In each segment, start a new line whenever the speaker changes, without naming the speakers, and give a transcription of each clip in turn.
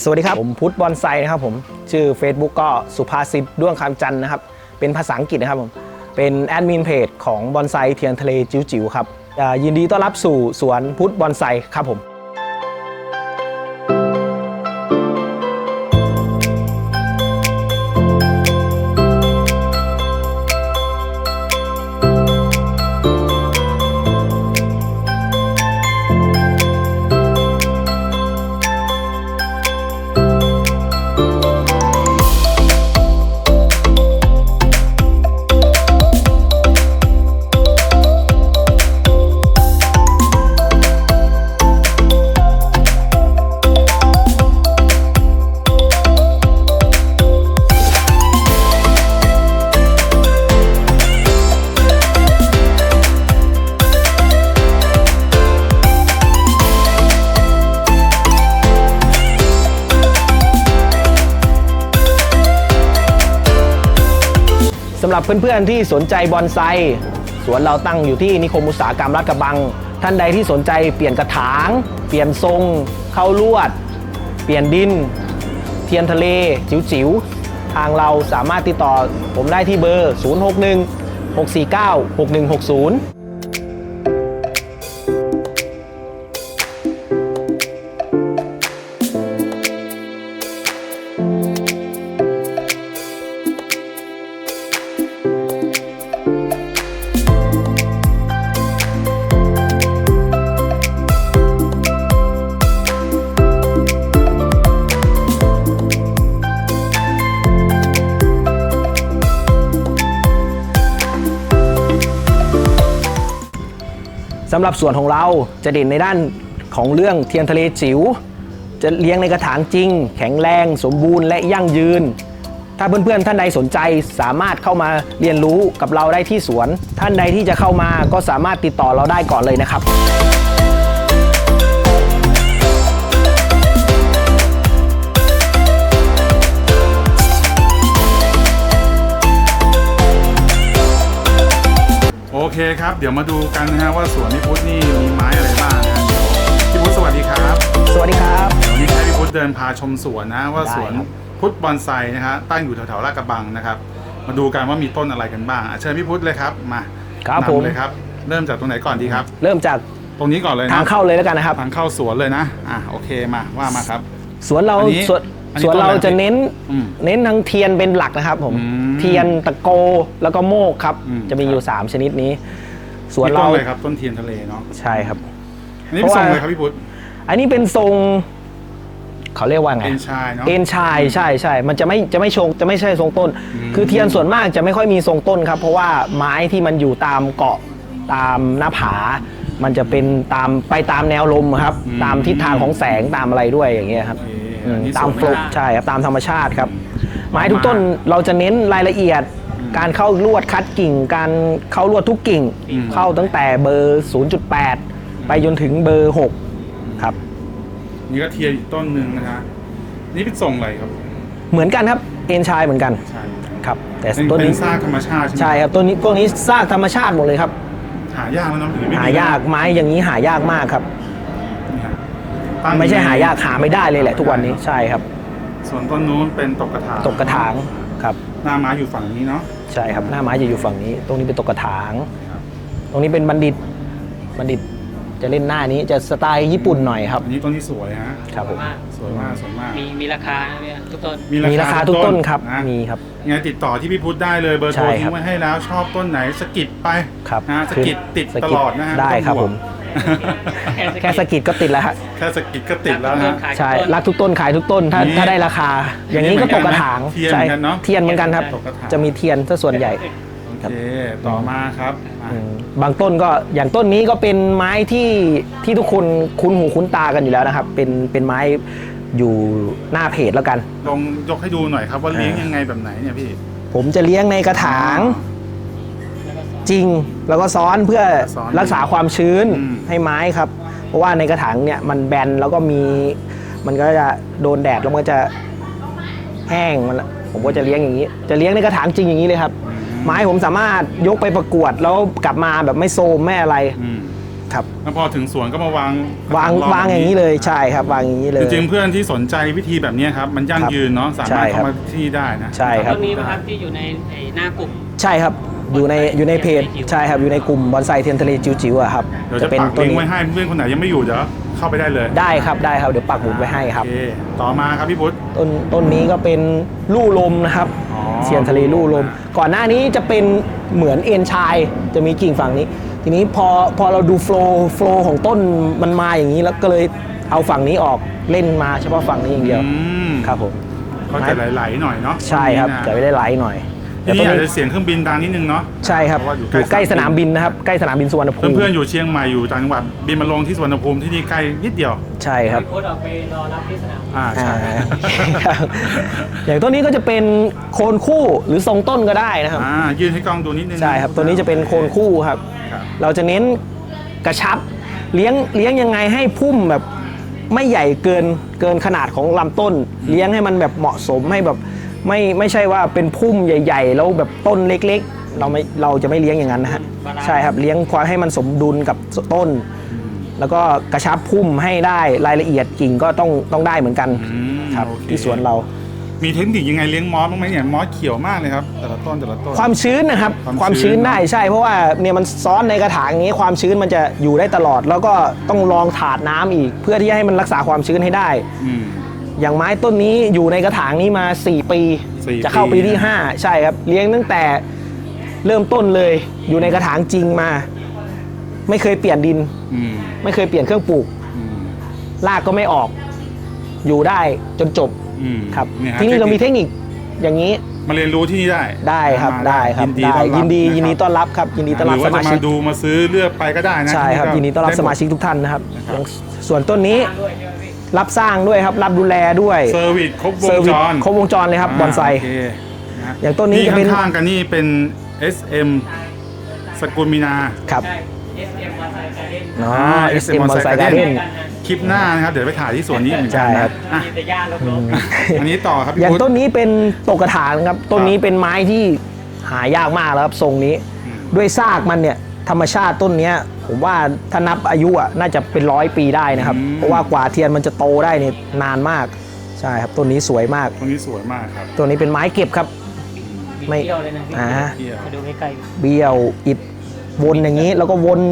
สวัสดีครับผมพุทธบอนไซนะครับผมชื่อ Facebook ก็สุภาษิตด้วงคำจันทร์นะครับเป็นภาษาอังกฤษนะครับผมเป็นแอดมินเพจของบอนไซเทียนทะเลจิ๋วๆครับยินดีต้อนรับสู่สวนพุทธบอนไซครับผมสำหรับเพื่อนๆที่สนใจบอนไซสวนเราตั้งอยู่ที่นิคมอุตสาหกรรมลาดกระบังท่านใดที่สนใจเปลี่ยนกระถางเปลี่ยนทรงเข้าลวดเปลี่ยนดินเทียนทะเลจิ๋วๆทางเราสามารถติดต่อผมได้ที่เบอร์ 061 649 6160สำหรับสวนของเราจะเด่นในด้านของเรื่องเทียนทะเลจิ๋วจะเลี้ยงในกระถางจริงแข็งแรงสมบูรณ์และยั่งยืนถ้าเพื่อนๆท่านใดสนใจสามารถเข้ามาเรียนรู้กับเราได้ที่สวนท่านใดที่จะเข้ามาก็สามารถติดต่อเราได้ก่อนเลยนะครับ
โอเคครับเดี๋ยวมาดูกันนะฮะว่าสวนพี่พุทธนี่มีไม้อะไรบ้างนะพี่พุทธสวัสดีครับ
สวัสดีครับ
เดี๋ยวนี้ให้พี่พุทธเดินพาชมสวนนะว่าสวนพุทธบอนไซนะฮะตั้งอยู่แถวๆลาดกระบังนะครับมาดูกันว่ามีต้นอะไรกันบ้างเชิญพี่พุทธเลยครับมา
ครับผม
เลยครับเริ่มจากตรงไหนก่อนดีครับ
เริ่มจาก
ตรงนี้ก่อนเลยนะ
ทางเข้าเลยแล้วกันนะครับ
ทางเข้าสวนเลยนะโอเคมาครับ
สวนเราสวนเราจะเน้นทั้งเทียนเป็นหลักนะครับผมเทียนตะโกแล้วก็โมกครับจะมีอยู่3ชนิดนี้
สวนเราเลยครับต้นเทียนทะเลเนาะ
ใช่ครับ
อันนี้เป็นทรงอะไรครับพี่พุทธ
อันนี้เป็นทรงเขาเรียกว่าไง
เอ็นชายเนาะ
เอ็นชายใช่มันจะไม่ใช่ทรงต้นคือเทียนส่วนมากจะไม่ค่อยมีทรงต้นครับเพราะว่าไม้ที่มันอยู่ตามเกาะตามหน้าผามันจะเป็นไปตามแนวลมครับตามทิศทางของแสงตามอะไรด้วยอย่างเงี้ยครับตามโฟล์ใช่ครับตามธรรมชาติครับไม้ทุกต้นเราจะเน้นรายละเอียดการเข้าลวดคัดกิ่งการเข้าลวดทุกกิ่งเข้าตั้งแต่เบอร์ 0.8 ไปจนถึงเบอร์6ครับ
นี่ก็เทียนอีกต้นหนึ่งนะฮะนี่เป็นทรงอะไรครับ
เหมือนกันครับเอ็นชายเหมือนกันครับแต่ต้นนี้
เป็นซากธรรมชาติ
ใช่ครับต้นนี้พวกนี้ซากธรรมชาติหมดเลยครับ
หายากนะ
หายากไม้อย่างนี้หายากมากครับไม่ใช่หายากหาไม่ได้เลยแหละทุกวันนี้ใช่ครับ
ส่วนต้นนู้นเป็นตกกระ
ถางครับ
หน้าไม้อยู่ฝั่งนี้เนาะ
ใช่ครับหน้าไม้จะอยู่ฝั่งนี้ตรงนี้เป็นตกกระถางตรงนี้เป็นบัณฑิตจะเล่นหน้านี้จะสไตล์ญี่ปุ่นหน่อยครับ
อันนี้ต้นนี้สวยฮะ
ครับผม
สวยมาก
มีราคาเนี่ยทุกต้น
มีราคาทุกต้นครับมีครับ
งั้นติดต่อที่พี่พุทธได้เลยเบอร์โทรทิ้งไว้ให้แล้วชอบต้นไหนสกิดไปนะสกิดติดตลอดนะฮะ
ได้ครับผมแค่สกิดก็ติดแล้วฮะ
แค่สกิดก็ติดแล้วนะ
ใช่รักทุกต้นขายทุกต้นถ้าได้ราคาอย่างนี้ก็ตกกระถาง
ใช่
เทียนเหมือนกันครับจะมีเทียนซะส่วนใหญ่
โอเคต่อมาครับ
บางต้นก็อย่างต้นนี้ก็เป็นไม้ที่ทุกคนคุ้นหูคุ้นตากันอยู่แล้วนะครับเป็นไม้อยู่หน้าเพจแล้วกัน
ลองยกให้ดูหน่อยครับว่าเลี้ยงยังไงแบบไหนเนี่ยพี่
ผมจะเลี้ยงในกระถางจริงแล้วก็ซ้อนเพื่อรักษาความชื้นให้ไม้ครับเพราะว่าในกระถางเนี่ยมันแบนแล้วก็มันก็จะโดนแดดแล้วมันก็จะแห้งผมก็จะเลี้ยงอย่างนี้จะเลี้ยงในกระถางจริงอย่างนี้เลยครับไม้ผมสามารถยกไปประกวดแล้วกลับมาแบบไม่โซมไม่อะไรครับ
แล้วพอถึงสวนก็มาวาง
วางอย่างนี้เลยใช่ครับวางอย่างนี้เลย
จริงๆเพื่อนที่สนใจวิธีแบบนี้ครับมันยั่งยืนเนาะสามารถเข้ามาที่นี่ได้นะ
ใช่ครับ
ต้นนี้นะครับที่อยู่ในหน้ากลุ่ม
ใช่ครับอยู่ในเพจใช่ครับอยู่ในกลุ่มบอนไซเทียนทะเลจิ๋วๆอะครับ
เดี๋ยวจะปักลิงก์ไว้ให้เพื่อนคนไหนยังไม่อยู่เดี๋ยวเข้าไปได้เลย
ได้ครับเดี๋ยวปักหมุดไว้ให้ครับ
โอเคต่อมาครับพี่พุทธ
ต้นนี้ก็เป็นลู่ลมนะครับ
อ๋อ
เทียนทะเลลู่ลม ก่อนหน้านี้จะเป็นเหมือนเอ็นชายจะมีกิ่งฝั่งนี้ ทีนี้พอเราดูโฟล์ของต้นมันมาอย่างนี้แล้วก็เลยเอาฝั่งนี้ออกเล่นมาเฉพาะฝั่งนี้อย่างเดียว
อืม
ครับผม
ก็จะไหลๆหน่อยเนาะ
ใช่ครับ
ตงนี้นะ
จะไม่ได้ไหลหน่อย
ที่นี่อาจจะเสียงเครื่องบินดังนิดนึงเนาะ
ใช่ครับ
เพราะว่าอยู่
อยู่
ใก
ใก
ล้
ล้สนามบินนะครับใกล้สนามบินสุวรรณภูมิ
เพื่อนๆอยู่เชียงใหม่อยู่ต่างจังหวัดบินมาลงที่สุวรรณภูมิที่นี่ใกล้นิดเดียว
ใช่ครับ
โค้ดออกไปรอรับที่สนาม
ใช่
ครับ อย่างต้นนี้ก็จะเป็นโคนคู่หรือทรงต้นก็ได้นะครับ
ยื่นให้กล้องดูนิดนึง
ใช่ครับตัวนี้จะเป็นโคนคู่ครับ
ครับ
เราจะเน้นกระชับเลี้ยงยังไงให้พุ่มแบบไม่ใหญ่เกินขนาดของลำต้น เลี้ยงให้มันแบบเหมาะสมให้แบบไม่ใช่ว่าเป็นพุ่มใหญ่ ๆ แล้วแบบต้นเล็กๆ เราจะไม่เลี้ยงอย่างนั้นนะฮะใช่ครับเลี้ยงความให้มันสมดุลกับต้น แล้วก็กระชับพุ่มให้ได้รายละเอียดกิ่งก็ต้องได้เหมือนกัน ครับ
โอเค
ที่สวนเรา
มีเทคนิคยังไงเลี้ยงมอสบ้างไหมเนี่ยมอสเขียวมากเลยครับแต่ละต้น
ความชื้นนะครับ
ความชื้น
ได้ใช่เพราะว่าเนี่ยมันซ้อนในกระถางอย่างนี้ความชื้นมันจะอยู่ได้ตลอด แล้วก็ต้องรองถาดน้ำอีก เพื่อที่จะให้มันรักษาความชื้นให้ได้
อืม
อย่างไม้ต้นนี้อยู่ในกระถางนี้มา 4 ปี
4
จะเข้า
ปี
ปีที่ 5 ใช่ครับเลี้ยงตั้งแต่เริ่มต้นเลยอยู่ในกระถางจริงมา ไม่เคยเปลี่ยนดิน
อืม
ไม่เคยเปลี่ยนเครื่องปลูก
อืม
รากก็ไม่ออก อยู่ได้จนจบ
อืม
ครับ
เยฮะ
ที่นี่เรามีเทคนิคอย่างนี้
มาเรียนรู้ที่นี่ได้
ได้ครับ
มา
ได้ครับได้ยินดีต้อนรับครับยินดีต้อนรับ
หรือ
ส
ว่า
มา
จะ
ชิ
มาก ดูมาซื้อเลือกไปก็ได้นะ
ใช่ครับ
ที่
ยินดีต้อนรับ
ไห
สมาชิกทุกท่านนะครับ
นะครับ
อย่างส่วนต้นนี้
ด้วยใช่ไหมพี่
รับสร้างด้วยครับรับดูแลด้วย
เซอร์วิสครบว
เซอง ร์วิ
จ
ส
ร
ครบวงจรเลยครับบอนไซ
โเคนะฮะ
อย่างต้นนี้จะเป็น
ข้างๆกันนี่เป็น SM สกุลมีนา
ครับ
SM มาใส่การเล่น
อ๋อ SM Bonsai Garden
คลิปหน้านะครับเดี๋ยวไปถ่ายที่สวนนี้เหมือนกัน
ใช่ครับ
อ่ะ
มีแต่หญ้าลก
อันนี้ต่อครับพี่
อย่าง
พุทธ
ต้นนี้เป็นตกกระถางครับต้นนี้เป็นไม้ที่หายากมากแล้วครับทรงนี้ ด้วยซากมันเนี่ยธรรมชาติต้นเนี้ยผมว่าถ้านับอายุอ่ะน่าจะเป็น100 ปีได้นะครับ เพราะว่ากว่าเทียนมันจะโตได้เนี่ยนานมากใช่ครับต้นนี้สวยมาก
ต้นนี้สวยมากครับ
ตัวนี้เป็นไม้เก็บครับ
ๆ
ไม่
เที่ยวเลยนะพี่
อ่า
เที่ยว
มาดูใกล้
เบี้ยวอิดวนอย่างนี้แล้วก็วน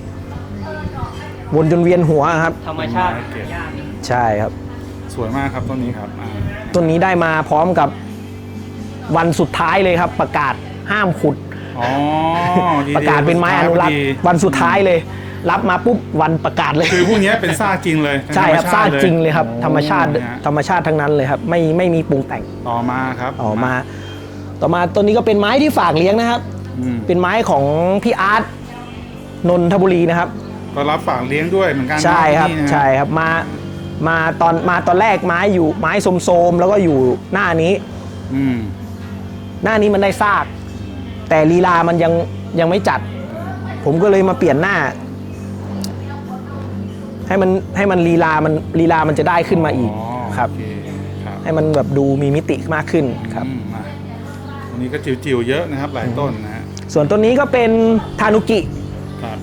จนเวียนหัวครับ
ๆธรรมชาติหญ้า
ใช่ครับ
สวยมากครับต้นนี้ครับ
ต้นนี้ได้มาพร้อมกับวันสุดท้ายเลยครับ ประกาศห้ามขุด
อ๋อดีๆ
ประกาศเป็นไม้อนุรักษ์
ดี
วันสุดท้ายเลย รับมาปุ๊บวันประกาศเลย
คือพวกนี้เป็นซากจริงเลย
ใช่ครับ
ธม
ซาก
ติ
จริงเลยครับ ธรรมชาติ
นะฮะ
ธรรมชาติทั้งนั้นเลยครับ ไม่มีปรุงแต่ง
ต่อมาครับ
ต่อมาต้นนี้ก็เป็นไม้ที่ฝากเลี้ยงนะครับ
อืม
เป็นไม้ของพี่อาร์ตนนทบุรีนะครับ
ก็รับฝากเลี้ยงด้วยเหมือนกัน
ใช่ครับ
ที่นี่นะ
ใช่ครับมาตอนแรกไม้อยู่ไม้โสมๆแล้วก็อยู่หน้านี้
อืม
หน้านี้มันได้ซาก แต่ลีลามันยังไม่จัด ผมก็เลยมาเปลี่ยนหน้า ให้มันลีลามันจะได้ขึ้นมาอีกครับ
โอเคครับ
ให้มันแบบดูมีมิติมากขึ้นครับ
มาวันนี้ก็จิ๋วๆเยอะนะครับหลายต้นนะฮะ
ส่วนต้นนี้ก็เป็นทานุกิ
ครับ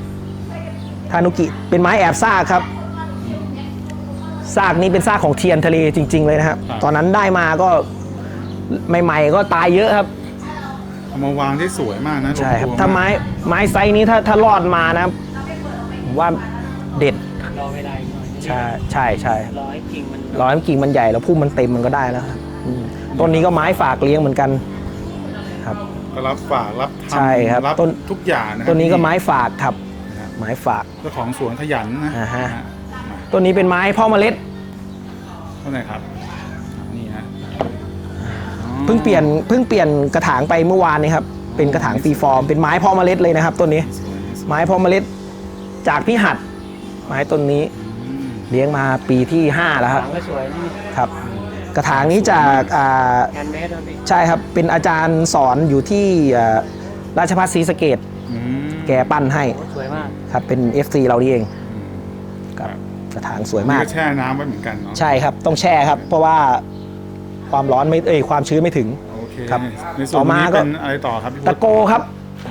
เป็นไม้แอบซากครับซากนี้เป็นซากของเทียนทะเลจริง ๆ เลยนะครับ ตอนนั้นได้มาก็ใหม่ๆก็ตายเยอะครับ
เอามาวางได้สวยมากนะ
ใช่ครับ
รวมๆ
ถ้าไม้ไซส์นี้ถ้ารอดมานะผมว่าเด็ด
รอเวลาอีกหน่อย
ใช่
รอให้กิ่งมัน
ร้อยกิ่งมันใหญ่แล้วพุ่มมันเต็มมันก็ได้แล้วครับต้นนี้ก็ไม้ฝากเลี้ยงเหมือนกันครับ
ก็รับฝากรับทำ
ใช่ครับ
รับ
ต้น
ทุกอย่างนะ
ต้นนี้ก็ไม้ฝากครับ
นะครับ
ไม้ฝาก
เจ้าของสวนขยันนะ
อ่าฮะ
นะ
ต้นนี้เป็นไม้พ่อเมล็ด
เท่าไหร่ครับนี่ฮะอ๋อ
เพิ่งเปลี่ยนกระถางไปเมื่อวานนี้ครับเป็นกระถางฟรีฟอร์มเป็นไม้พ่อเมล็ดเลยนะครับต้นนี้
สวยสวย
ไม้พ่อเมล็ดจากพี่หัดไม้ต้นนี้
อืม
เลี้ยงมาปีที่ 5 แล้วค
ห
รับ
างก็สวยนี่
ครับ กระถางนี้จาก
แฮนด์เมดด้วยพี่
ใช่ครับเป็นอาจารย์สอนอยู่ที่ราชภัฏศรีสะเกษ
อืม
แกปั้นให้
โอ้สวยมาก
ครับเป็น FC เรานี่เอง
อืม
ครับกระถางสวย
นี่
มาก
ก็แช่น้ำไว้เหมือนกันเนาะ
ใช่ครับต้องแช่ครับ เพราะว่าความร้อนไม่ความชื้นไม่ถึง
โอเค
ครับ
ในส่วน
ต่อมา
นี้
ก็
เป็นอะไรต่อครับพี่พุท
ตะ
ธ
โกครับ
อ๋อ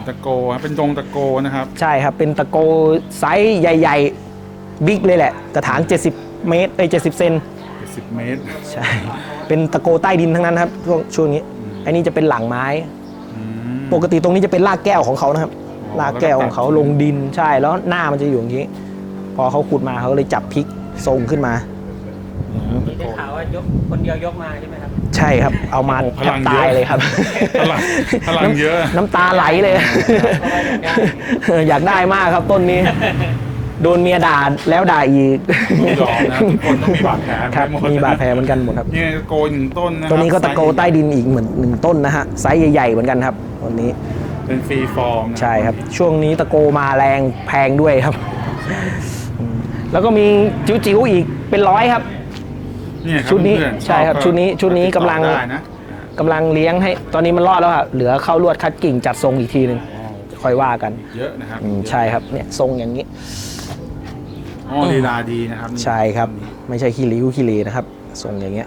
ตะโกเป็นดงตะโกนะครับ
ใช่ครับเป็นตะโกไซส์ใหญ่ๆบิ๊กเลยแหละกระถาง70 เมตร70 เซน
10 เมตร
ใช่เป็นตะโกใต้ดินทั้งนั้นครับช่วงนี้อันนี้จะเป็นหลังไม้ ปกติตรงนี้จะเป็นรากแก้วของเขานะครับรากแก้วของเขาลงดินใช่แล้วหน้ามันจะอยู่อย่างนี้ พอเขาขุดมาเขาเลยจับพลิกทรงขึ้นมา
นี่ได้ข่าวว่ายกคนเดียวยกมาใช่ไหมครับ
ใช่ครับเอามา
โอ้พ
แท
ลั
บ
ง
ตา
เย
ย
อะ
เลยครับ
พลังเยอะ
น้ำตาไหลเลย อยากได้มากครับต้นนี้ โดนเมียด่าแล้วด่าอีก
ไม่ยอมนะทุกคนต้องมีบาดแผล
ครับ
หมด
มีบาดแผลเหมือนกันหมดครับ
นี่ตะโกหนึ่งต้นนะครับ
ตัวนี้ก็ตะโกใต้ดินอีกเหมือน1 ต้นนะฮะไซส์ใหญ่ๆเหมือนกันครับตัวนี้
เป็นฟรีฟอร์มนะ
ใช่ครับ ช่วงนี้ตะโกมาแรงแพงด้วยครับแล้วก็มีจิ๋วๆอีกเป็น100ครับ
เนี่ยครับ
ชุดนี้
เพื่อนๆ
ใช่ครับ
ก็
ชุดนี้กำลัง
ติดต่อได้นะ
กำลังเลี้ยงให้ตอนนี้มันรอดแล้วครับเหลือเข้าลวดคัดกิ่งจัดทรงอีกทีหนึ่งค่อยว่ากัน
เยอะนะครับ
ใช่ครับเนี่ยทรงอย่างนี้
อ๋อลีลาดีนะครับ
ใช่ครับ ไม่ใช่ขี้ริ้วขี้เลนะครับทรงอย่างเงี้ย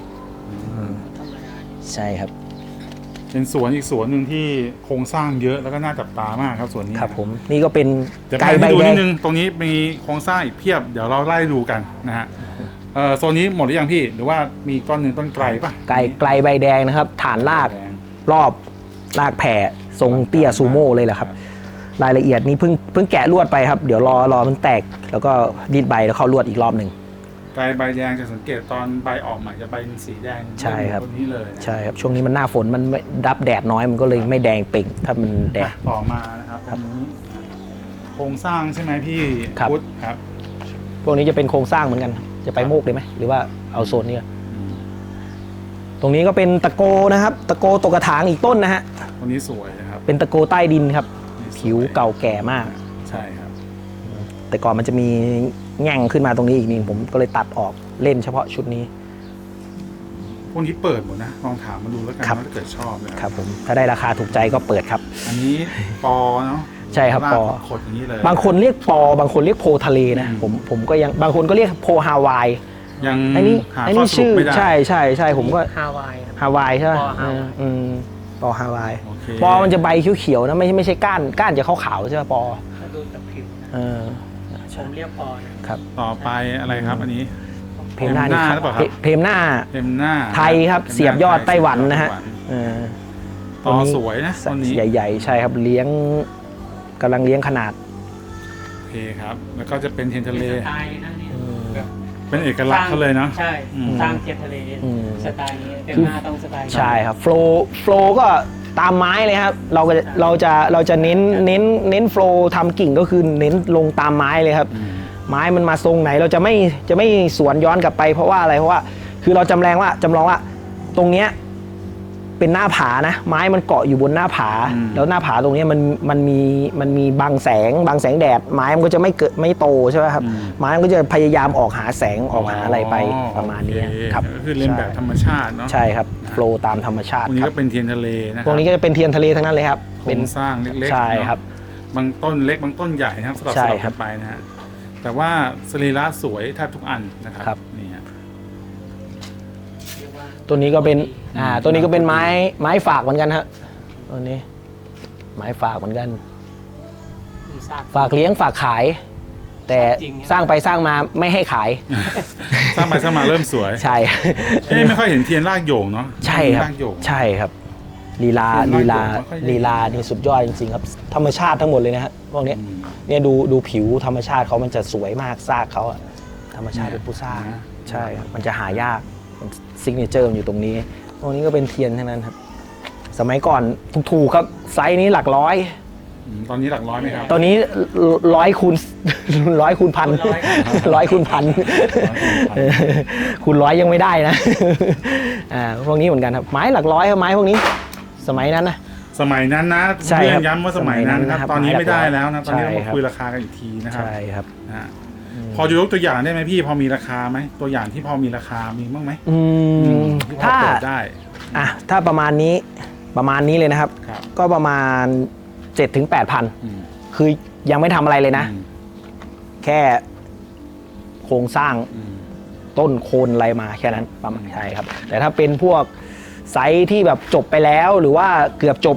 ใช่ครับ
เป็นสวนอีกสวนหนึ่งที่โครงสร้างเยอะแล้วก็น่าจับตามากครับสวนนี้
ครับผมนี่ก็เป็น
เดี๋ยว
ไก่
ไป
ใบ
ให้ดู
แด
นิ
ง
ดนึงตรงนี้มีโครงสร้างอีกเพียบเดี๋ยวเราไล่ดูกันนะฮะโซนนี้หมดหรือยังพี่หรือว่ามีต้นหนึ่งต้นไกลป่ะ
ไก่ใบแดงนะครับ ฐานราก
แดง
รอบรากแผ่ทรงเตี้ยซูโม่เลยแหละครับ รายละเอียดนี้เพิ่งแกะลวดไปครับ เดี๋ยวรอมันแตกแล้วก็ดีดใบแล้วเข้าลวดอีกรอบหนึ่ง
ไกลใบแดงจะสังเกตตอนใบออกใหม่จะใบเป็นสีแดง
ใช่ครับ
ต้นนี้เลยนะ
ใช่ครับช่วงนี้มันหน้าฝนมันไม่รับแดดน้อยมันก็เลยไม่แดงเป่งถ้ามันแดด
ต่อมานะครับตรงนี้โครงสร้างใช่ไหมพี่
ครับ
พุทธครับ
พวกนี้จะเป็นโครงสร้างเหมือนกัน จะไปโมกเลยไหมหรือว่าเอาโซนนี้ก่อนตรงนี้ก็เป็นตะโกนะครับ ตะโกตกกระถางอีกต้นนะฮะ
ตรงนี้สวยนะครับ
เป็นตะโกใต้ดินครับ ผิวเก่าแก่มาก
ใช่ครับ
แต่ก่อนมันจะมีแง่งขึ้นมาตรงนี้อีกนี่ผมก็เลยตัดออกเล่นเฉพาะชุดนี้
พวกนี้เปิดหมดนะลองถามมาดูแล้วกัน
ครับ
ว่าถ้าเกิดชอบนะ
ค
ค
รั
รั
บบ ผมถ้าได้ราคาถูกใจก็เปิดครับ
อันนี้ปอเนาะ
ใช่ครับ
ลาก
ปอ
ขดอย่างนี้เลย
บางคนเรียกปอบางคนเรียกโพทะเลนะผมก็ยังบางคนก็เรียกโพฮาวาย
ยัง
อันนี้
หา
อัน
ข้อ
นี้
สรุ
ชื่
ป
อ
ไม่ได้
ใช่ผมก็
ฮาวายครับ
ฮาวายใช่ไหม
ปอฮาวาย
ปอฮาวาย
โอเค
ปอมันจะใบเขียวๆนะไม่ใช่ก้านจะขาวๆใช่ไหมปอ
ถ้าดูจากผิวนะ
เออ
ผมเรียกปอนะครับ
ต่อไปอะไรครับอันนี้
เพมหน้านี่
หรือเปล่าครับ
เพมหน้า
เต็มหน้า
ไทยครับเสียบยอดไต้หวันนะฮะเออ
ปอสวยนะต้นนี้
ใหญ่ๆใช่ครับกำลังเลี้ยงขนาด
โอเคครับ แล้วก็จะเป็นเทียนทะเล
สไตล์นั่นเนี่ยแบบ
เป็นเอกลักษณ์เขาเลยเนาะ
ใช่
อืม
สร้างเทียนทะเล
อืม
สไตล์นี้เต็มหน้าต้องสไตล์นี้
ใช่ครับโฟลก็ตามไม้เลยครับเราจะเน้นโฟลทำกิ่งก็คือเน้นลงตามไม้เลยครับ ไม้มันมาทรงไหนเราจะไม่สวนย้อนกลับไปเพราะว่าอะไรเพราะว่าคือเราจำลองว่าตรงเนี้ยเป็นหน้าผานะไม้มันเกาะอยู่บนหน้าผา แล้วหน้าผาตรงเนี้ยมันมีบังแสงแดดไม้มันก็จะไม่โตใช่ไหมครับไม้มันก็จะพยายามออกหาแสงออกหาอะไรไปประมาณนี้
โอเค
ครับ
ก็คือเล่นแบบธรรมชาติเนาะ
ใช่ครับโฟลตามธรรมชา
พ
ติ
วกนี้
ครั
ก็
บ
เป็นเทียนทะเลนะค
พว
รั
กนี้ก็จะเป็นเทียนทะเลทั้งนั้นเลยครับ
โครงสร้างเล็กๆ
ใช่
เนอะ
ครับ
บางต้นเล็กบางต้นใหญ่นะครับสลับ
ใช่
สลับ
ครั
กับ นไปนะฮะแต่ว่าสรีระสวยแทบทุกอันนะครับ
ครับ
นี่ฮะ
เรียกว่า
ตัวนี้ก็เป็นตัวนี้ก็เป็นไม้ฝากเหมือนกันฮะตัวนี้ไม้ฝากเหมือนกัน
มีซาก
ฝากเลี้ยงฝากขาย แต่
จริงครับ
สร้างไปสร้างมาไม่ให้ขาย
สร้างไปสร้างมาเริ่มสวย
ใช่
ไม่ค่อยเห็นเทียนรากโยงเนาะ
ใช่ครับ
รากโยง
ใช่ครับลีลา
เทียนรากโยงไม่ค่อยเห็น
ลีลานี่สุดยอดจริงๆครับ ธรรมชาติทั้งหมดเลยนะฮะพวกเนี้ยเนี่ยดูผิวธรรมชาติเขามันจะสวยมากซากเขาอะธรรมชาติเป็นผู้สร้างใช่ครับมันจะหายากซิกเนเจอร์อยู่ตรงนี้พวกนี้ก็เป็นเทียนทั้งนั้นครับสมัยก่อนถูกๆครับไซส์นี้หลักร้อย
ตอนนี้หลักร้อยไหมครับ
ตอนนี้100 คูณ 100 คูณพัน100 คูณพันคูณร้อยยังไม่ได้นะพวกนี้เหมือนกันครับไม้หลักร้อยครับไม้พวกนี้ สมัยนั้นนะ
สมัยนั้นนะ
ใช่
เพื่
ครั
อบ นย้ำว่าสมัยนั้นครับ
สมัยนั้นนะครับ
ตอนนี้ไม่ได้แล้วนะ
ใช่
ตอนนี้เรา
ค
มา
รับ
คุยราคากันอีกทีนะครับ
ใช่ครับ
นะฮะพอจะยกตัวอย่างได้ไหมพี่พอมีราคาไหมตัวอย่างที่พอมีราคามีบ้างไหม ที่พอ
ถ้า
เปิดได้
ถ้าประมาณนี้เลยนะครับ
ครับ
ก็ประมาณ 7-8 พัน
อืม
คือยังไม่ทำอะไรเลยนะ
อืม
แค่โครงสร้าง
อืม
ต้นโคนอะไรมาแค่นั้นประมาณใช่ครับ แต่ถ้าเป็นพวกไซส์ที่แบบจบไปแล้วหรือว่าเกือบจบ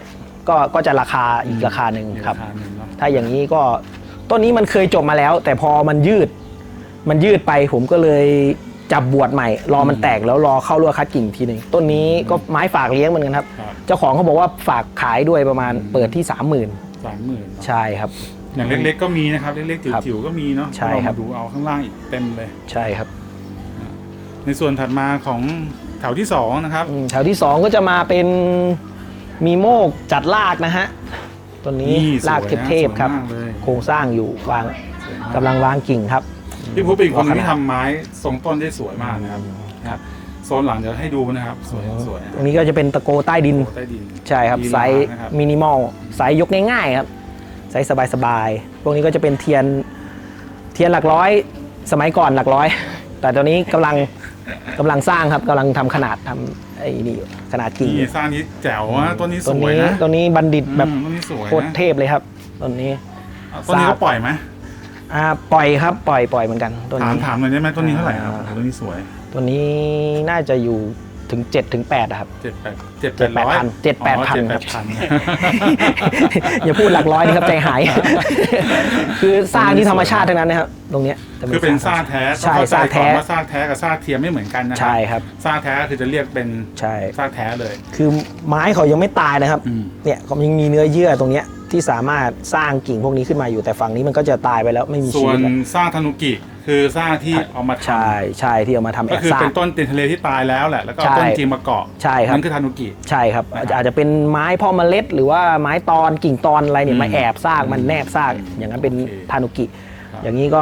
ก็จะราคาอีกราคาหนึ่งครับ
ราคาหนึ่งเนาะ
ถ้าอย่างนี้ก็ต้นนี้มันเคยจบมาแล้ว แต่พอมันยืดไปผมก็เลยจับบวชใหม่รอมันแตกแล้วรอเข้ารั่วคัดกิ่งทีหนึ่งต้นนี้ก็ไม้ฝากเลี้ยงเหมือนกันครับ
ครับ
เจ้าของเขาบอกว่าฝากขายด้วยประมาณเปิดที่ 30,000
30,000
ใช่ครับ
อย่างเล็กๆก็มีนะครับเล็กๆ
ครับ
จิ๋วๆก็มีเนาะ
ใช่ครับ
เรามาดูเอาข้างล่างอีกเต็มเลย
ใช่ครับ
ในส่วนถัดมาของแถวที่2นะครับ
แถวที่ 2 ก็จะมาเป็นมีโมกจัดรากนะฮะต้นนี้
นี่สวยนะ
รากเทพๆครับ
สวยมากเลย
โครงสร้างอยู่วาง
สวยมาก
กำลังวางกิ่งครับ
พี่พุทธเป็นคน
ขนาด
ที่ทำไม้ทรงต้นได้สวยมากนะครับ
ครับ
โซนหลังเดี๋ยวให้ดูนะครับสวยๆ
ตรงนี้ก็จะเป็นตะโกใต้ดิน
ใต้ดิน
ใช่ครับ
ลีลา
ไซส์
นะครับ
มินิมอลไซส์ยกง่ายๆครับไซส์สบายๆพวกนี้ก็จะเป็นเทียนหลักร้อยสมัยก่อนหลักร้อย แต่ตอนนี้กำลังสร้างครับกำลังทำขนาดทำไอ้นี่อยู่ขนาดกิ่ง
นี่สร้างนี้แจ๋วนะต้นนี้ส
ต้น
วย
นี้
นะ
ต้นนี้บัณฑิตแบบ
ต้นนี้สวยนะ
โคตรเทพเลยครับต้นนี้
ต้นนี้เขาปล่อยไหม
ปล่อยครับปล่อยเหมือนกันต้นนี้
ถามหน่อยได้ไหมต้นนี้เท่าไหร่ครับ
อ่า
ต้นนี้สวย
ตัวนี้น่าจะอยู่ถึง7 ถึง 8ครับ
7-800
7-8,000 ครับ
7-8,000
อย่าพูดหลักร้อยนี่ครับใจหาย คือสร้างที่ธรรมชาติทั้งนั้นนะครับตรงเนี้ยจะ
คือเป็นซากแท้
ใช่
ต้องเข้
ซาก
ใจ
แท้
ก่อนว่าซากแท้กับซากเทียมไม่เหมือนกันนะครั
ใช่ครับ
ซากแท้คือจะเรียกเป็น
ใช่
ซากแท้เลย
คือไม้เขายังไม่ตายนะครับ
อืม
เนี่ยเขายังมีเนื้อเยื่อตรงเนี้ยที่สามารถสร้างกิ่งพวกนี้ขึ้นมาอยู่แต่ฝั่งนี้มันก็จะตายไปแล้วไม่มี
ส่
ชี
ว
วิ
น
ตแล้ว
ซากธนุกิคือซากที่เอามาท
ใช่ที่เอามาทำ
ำ
แอ
ก็
บ
คือ
ซา
เป็
ก
นต้นเต็นทะเลที่ตายแล้วแหละแล้วก็เอา
ใช่
ต้นจริงมาเกาะ
ใช่ครับ
นั่นคือธนุกิ
ใช่ครับ
นะครับ
อาจจะเป็นไม้พ่อเมล็ด หรือว่าไม้ตอนกิ่งตอนอะไรเนี่ยมาแอบซากมันแนบซากอย่างนั้นเป็น
โอเค
ทานุกิ
ครับ
อย่างนี้ก็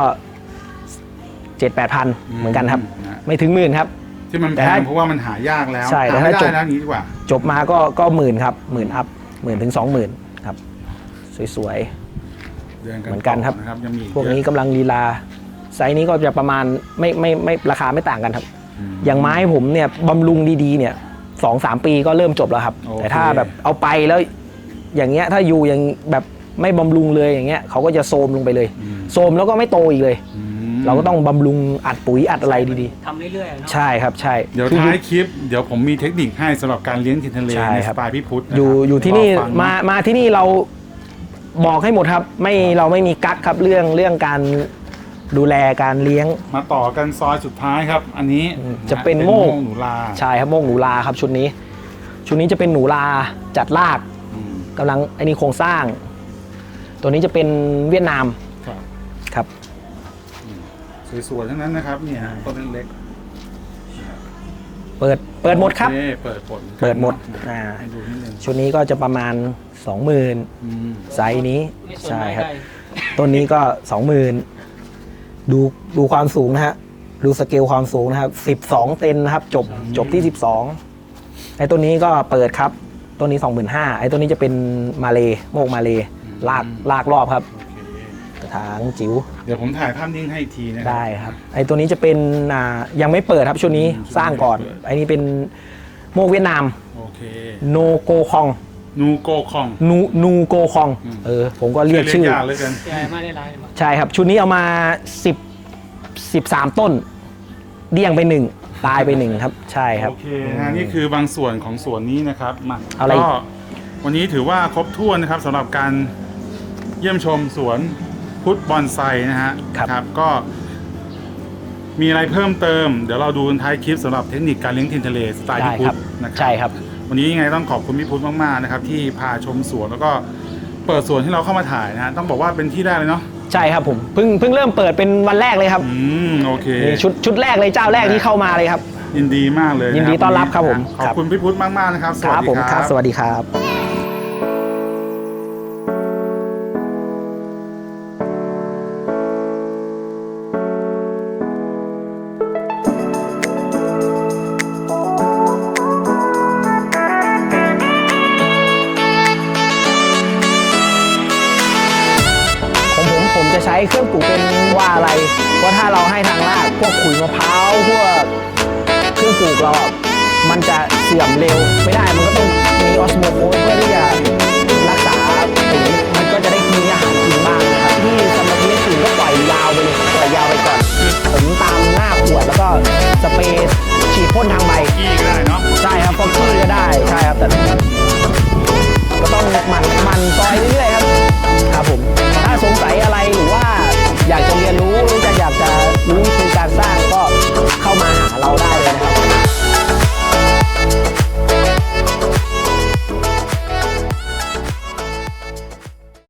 7-8,000เหมือนกันครับ
นะ
ไม่ถึงหมื่นครับ
ที่มัน
แต่
แพ
ถ้า
งเพราะว่ามันหายากแล้ว
ใช่แต่
หาไม่
ถ้า
ได้
จบ
นะอย่างนี้ดีกว่า
จบมาก็หมื่นครับ10,000อัพ10,000 ถึง 20,000ครับสวย
เดือน
เหมือนกันครับ
นะครับยังมีอี
ๆพวกนี้กำลังลีลาไซส์นี้ก็จะประมาณไม่ราคาไม่ต่างกันครับ อย่างไม้ผมเนี่ยบำรุงดีๆเนี่ย2-3 ปีก็เริ่มจบแล้วครับ
โอเค
แต่ถ้าแบบเอาไปแล้วอย่างเงี้ยถ้าอยู่อย่างแบบไม่บำรุงเลยอย่างเงี้ยเขาก็จะโทรมลงไปเลยโทรมแล้วก็ไม่โตอีกเลย
อืม
เราก็ต้องบำรุงอัดปุ๋ยอัดอะไรดี
ทำเรื่อยๆเนาะ
ๆ ใช่ครับใช่
เดี๋ยว
คือ
ท้ายคลิปเดี๋ยวผมมีเทคนิคให้สำหรับการเลี้ยงทินทะเล
ใช่
ใน
ค
ส
รับ
ไตล์พี่พุทธนะครับ
อยู่ที่นี่
รอฟัง
มาที่นี่เราบอกให้หมดครับเราไม่มีกั๊กครับเรื่องการดูแลการเลี้ยง
มาต่อกันซอยสุดท้ายครับ อันนี้
จะเป็นโมก
หนูลา
ใช่ครับโมกหนูลาครับชุดนี้จะเป็นหนูลาจัดราก
อืม
กำลังไอ้นี่โครงสร้าง ตัวนี้จะเป็นเวียดนาม
ครับ
ครับ
สวยๆทั้งนั้นนะครับเนี่ยฮะต้นเล็ก
เปิดหมดครับ
โอเเปิดหมด
เปิดหมด
อ่าให้ดูนิดนึง
ชุดนี้ก็จะประมาณ 20,000
อืม
ไซส์นี้
ไม่สน
ใช่
ไม่
ครับ
ได้
ต้นนี้ก็ 20,000ดูความสูงนะฮะดูสเกลความสูงนะครับ12เซนนะครับจบที่ 12ไอ้ตัวนี้ก็เปิดครับตัวนี้ 25,000ไอ้ตัวนี้จะเป็นมาเลโมกมาเลลากรอบครับ
โอเค
กระถางจิ๋ว
เดี๋ยวผมถ่ายภาพนิ่งให้อีกทีนะครั
ได้ครับไอ้ตัวนี้จะเป็นยังไม่เปิดครับชุดนี้
ชุดนี้
สร้างก่อน
ไม่เปิด
ไอ้นี้เป็นโมกเวียดนาม
โอเค
โนโกคอง
นูโกคอง
นูโกคองผมก็เรียกชื่อ
ยากเหลยกัน
ใหญ่มากได้หลายมาก
ใช่ครับ ชุดนี้เอามา13 ต้น เดี่ยงไป 1 ตายไป 1 ครับ ใช่ครับ
โอเคนะนี่คือบางส่วนของสวนนี้นะครับมา
เอาอะไรอีก
ก็วันนี้ถือว่าครบถ้วนนะครับสำหรับการเยี่ยมชมสวนพุทธบอนไซนะฮะครับก็มีอะไรเพิ่มเติม เดี๋ยวเราดูท้ายคลิปสำหรับเทคนิคการเลี้ยงทินทะเลสไตล์
ได้
พี่พุ
ค
ท
รับ
ธนะครั
ใช่ครับ
วันนี้ยังไงต้องขอบคุณพี่พุทธมากๆนะครับที่พาชมสวนแล้วก็เปิดสวนให้เราเข้ามาถ่ายนะฮะต้องบอกว่าเป็นที่แรกเลยเนาะ
ใช่ครับผมเพิ่งเริ่มเปิดเป็นวันแรกเลยครับ
โอเค
นี่ชุดแรกเลยเจ้าแรกที่เข้ามาเลยครับ
ยินดีมากเลยะ
ยินดีต้อนรับครับผม
ขอบคุณพี่พุทธมากๆนะครับส
ค
วัส
รับ
ดี
ผม
ค
ค
รั
รับ
บ
สวัสดีครับ ผมจะใช้เครื่องปลูกเป็นว่าอะไรว่าถ้าเราให้ทางรากพวกขุยมะพร้าวพวกเครื่องปลูกเราอะมันจะเสื่อมเร็วไม่ได้มันก็ต้องมีออสโมโคสเพื่อที่จะรักษาปุ๋ยมันก็จะได้มีอาหารกินบ้างนะครับที่สำหรับเลี้ยงปุ๋ยก็ปล่อยยาวไปเลยปล่อยยาวไปก่อนผมตามหน้าขวดแล้วก็สเปรย์ฉีดพ่นทางใบ
ขี้ก็ได้เนาะ
ใช่ครับฟอกกี้ก็ได้ใช่ครับแต่ต้องหมั่นซอยเรื่อยๆครับครับผมถ้าสงสัยอะไรหรือว่าอยากจะเรียนรู้